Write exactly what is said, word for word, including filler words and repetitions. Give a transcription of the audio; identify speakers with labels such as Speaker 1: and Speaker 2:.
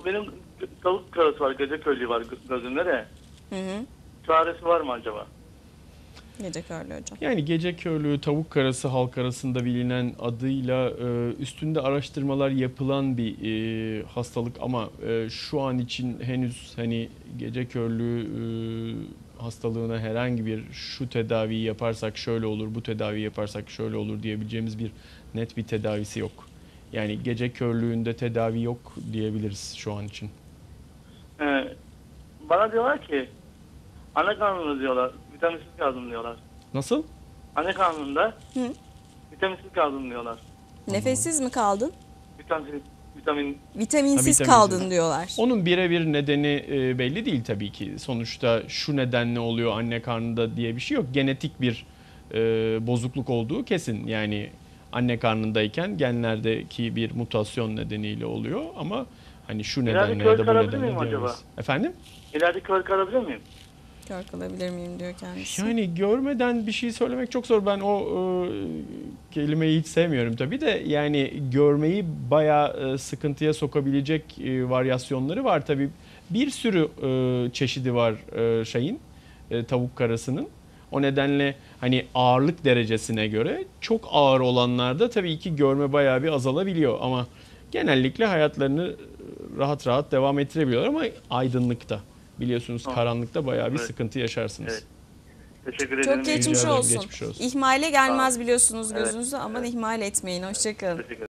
Speaker 1: benim tavuk karası var, gece körlüğü var gözümde de.
Speaker 2: Hı hı.
Speaker 1: Çaresi var mı acaba?
Speaker 2: Gece körlüğü hocam.
Speaker 3: Yani gece körlüğü, tavuk karası halk arasında bilinen adıyla e, üstünde araştırmalar yapılan bir e, hastalık ama e, şu an için henüz hani gece körlüğü e, hastalığına herhangi bir şu tedaviyi yaparsak şöyle olur, bu tedaviyi yaparsak şöyle olur diyebileceğimiz bir net bir tedavisi yok. Yani gece körlüğünde tedavi yok diyebiliriz şu an için.
Speaker 1: Ee, bana diyorlar ki anne karnında diyorlar, vitaminsiz kaldım diyorlar.
Speaker 3: Nasıl?
Speaker 1: Anne karnında
Speaker 2: Hı.
Speaker 1: vitaminsiz kaldım diyorlar.
Speaker 2: Nefessiz mi kaldın?
Speaker 1: Vitamin, vitamin
Speaker 2: Vitaminsiz
Speaker 3: Ha,
Speaker 2: kaldın
Speaker 3: vitaminsiz.
Speaker 2: diyorlar.
Speaker 3: Onun birebir nedeni e, belli değil tabii ki. Sonuçta şu nedenle oluyor anne karnında diye bir şey yok. Genetik bir e, bozukluk olduğu kesin. Yani anne karnındayken genlerdeki bir mutasyon nedeniyle oluyor ama hani şu
Speaker 1: İleride
Speaker 3: nedenle
Speaker 1: kör
Speaker 3: ya da bu
Speaker 1: kalabilir
Speaker 3: nedenle
Speaker 1: miyim acaba?
Speaker 3: diyemeyiz. Efendim?
Speaker 1: ileride kör kalabilir miyim?
Speaker 2: Kör kalabilir miyim diyor kendisi.
Speaker 3: Yani görmeden bir şey söylemek çok zor. Ben o e, kelimeyi hiç sevmiyorum tabii de yani görmeyi bayağı e, sıkıntıya sokabilecek e, varyasyonları var tabii. Bir sürü e, çeşidi var e, şeyin e, tavuk karasının. O nedenle hani ağırlık derecesine göre çok ağır olanlarda tabii ki görme bayağı bir azalabiliyor ama genellikle hayatlarını rahat rahat devam ettirebiliyorlar ama aydınlıkta. Biliyorsunuz
Speaker 1: Tamam.
Speaker 3: karanlıkta bayağı bir
Speaker 1: Evet.
Speaker 3: sıkıntı yaşarsınız.
Speaker 1: Evet. Teşekkür ederim.
Speaker 2: Çok
Speaker 1: İyi
Speaker 2: geçmiş
Speaker 3: ederim,
Speaker 2: olsun.
Speaker 3: geçmiş olsun.
Speaker 2: İhmale gelmez biliyorsunuz
Speaker 1: Evet,
Speaker 2: gözünüzü. Aman
Speaker 1: evet.
Speaker 2: ihmal etmeyin. Hoşça kalın.
Speaker 1: Teşekkür ederim.